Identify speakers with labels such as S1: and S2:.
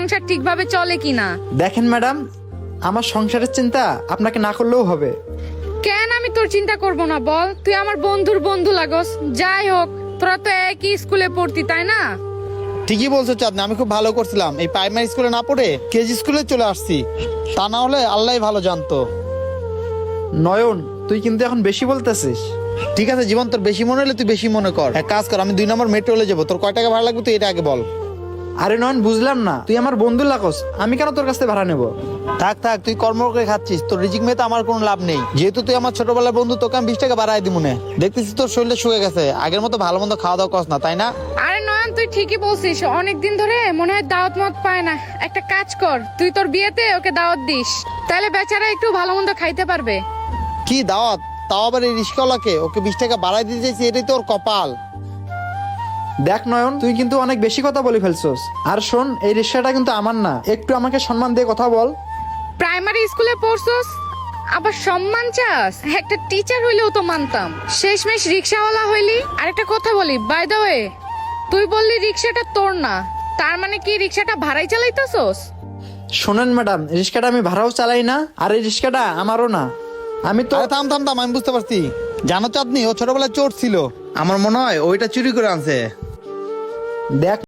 S1: সংসার ঠিকভাবে চলে কিনা।
S2: দেখেন ম্যাডাম, আমার সংসারের চিন্তা আপনাকে না করলেও হবে।
S1: কেন আমি তোর চিন্তা করব না বল? তুই আমার বন্ধুর বন্ধু লাগস। যাই হোক, তোরা তো একই স্কুলে পড়তি, তাই না?
S3: ঠিকই বলছো চাঁদনি, আমি খুব ভালো করছিলাম এই প্রাইমারি স্কুলে না পড়ে কেজি স্কুলে চলে আসছি। তা না হলে আল্লাহই ভালো জানতো।
S2: নয়ন, তুই কিন্তু এখন বেশি বলতেছিস।
S3: ঠিক আছে জীবন, তোর বেশি মনে হলে তুই বেশি মনে কর। এক কাজ কর, আমি 2 নম্বর মেট্রোলে যাবো। তোর কয় টাকা ভাড়া লাগবে তুই এটা আগে বল।
S2: আরে নয়ন, বুঝলাম না, তুই আমার বন্ধু লাগস, আমি কেন তোর কাছ থেকে ভাড়া নেব?
S3: থাক থাক, তুই কর্ম করে খাচ্ছিস, তোর রিজিক মেয়ে তো আমার কোনো লাভ নেই। যেহেতু তুই আমার ছোটবেলার বন্ধু, তোকে আমি 20 টাকা বাড়াই দিব মনে। দেখতেছিস তোর শরীরটা শুয়ে গেছে, আগের মতো ভালো মন্দ খাওয়া দাওয়া করস না, তাই না?
S1: আরে নয়ন, তুই ঠিকই বলছিস, অনেকদিন ধরে মনে হয় দাওয়াত মত পায় না। একটা কাজ কর, তুই তোর বিয়েতে ওকে দাওয়াত দিস, তাহলে বেচারা একটু ভালো মন্দ খাইতে পারবে।
S3: কি দাওয়াত? তাও আবার এই রিস্কাওয়ালাকে? ওকে 20 টাকা বাড়াই দিতে চাইছি, এটাই তোর কপাল।
S2: দেখ নয়ন, তুই কিন্তু অনেক বেশি কথা বলে ফেলছস। আর শোন, এই রিক্সাটা কিন্তু আমার না, একটু আমাকে সম্মান দিয়ে কথা বল।
S1: প্রাইমারি স্কুলে পড়ছস, আবার সম্মান চাস? একটা টিচার হইলেও তো মানতাম, শেষমেশ রিক্সাওয়ালা হইলি। আর একটা কথা বলি, বাই দ্য ওয়ে, তুই বললি রিক্সাটা তোর না, তার মানে কি রিক্সাটা ভাড়াই চালাইতেছস?
S2: শোনেন ম্যাডাম, রিক্সাটা আমি ভাড়াও চালাই না, আর এই রিক্সাটা আমারও না। আমি তো
S3: আরে থাম থাম থাম, আমি বুঝতে পারছি। জানো চাঁদনি, ও ছোটবেলায় চোর ছিল, আমার মনে হয় ওইটা চুরি করে আনছে।
S2: দেখ